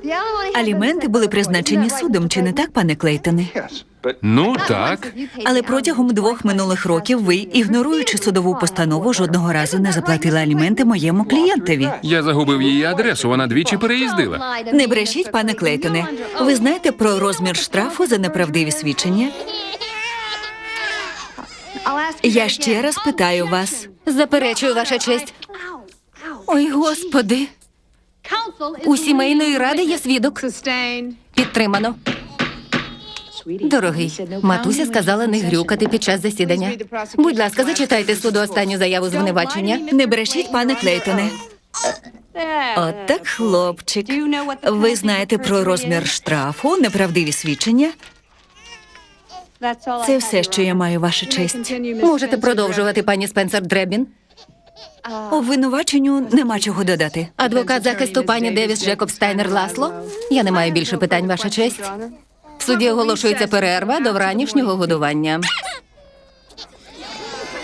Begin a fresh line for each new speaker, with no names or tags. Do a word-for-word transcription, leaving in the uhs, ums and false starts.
Аліменти були призначені судом, чи не так, пане Клейтоне?
Ну, так.
Але протягом двох минулих років ви, ігноруючи судову постанову, жодного разу не заплатили аліменти моєму клієнтові.
Я загубив її адресу, вона двічі переїздила.
Не брешіть, пане Клейтоне. Ви знаєте про розмір штрафу за неправдиві свідчення? Я ще раз питаю вас.
Заперечую, ваша честь. Ой, Господи. У сімейної ради є свідок. Підтримано. Дорогий, матуся сказала не грюкати під час засідання. Будь ласка, зачитайте суду останню заяву звинувачення.
Не брешіть, пане Клейтоне. От так, хлопчик. Ви знаєте про розмір штрафу, неправдиві свідчення? Це все, що я маю, ваша честь.
Можете продовжувати, пані Спенсер Дребін.
Обвинуваченню нема чого додати.
Адвокат захисту пані Девіс Джекоб Стайнер Ласло. Я не маю більше питань, ваша честь. В суді оголошується перерва до вранішнього годування.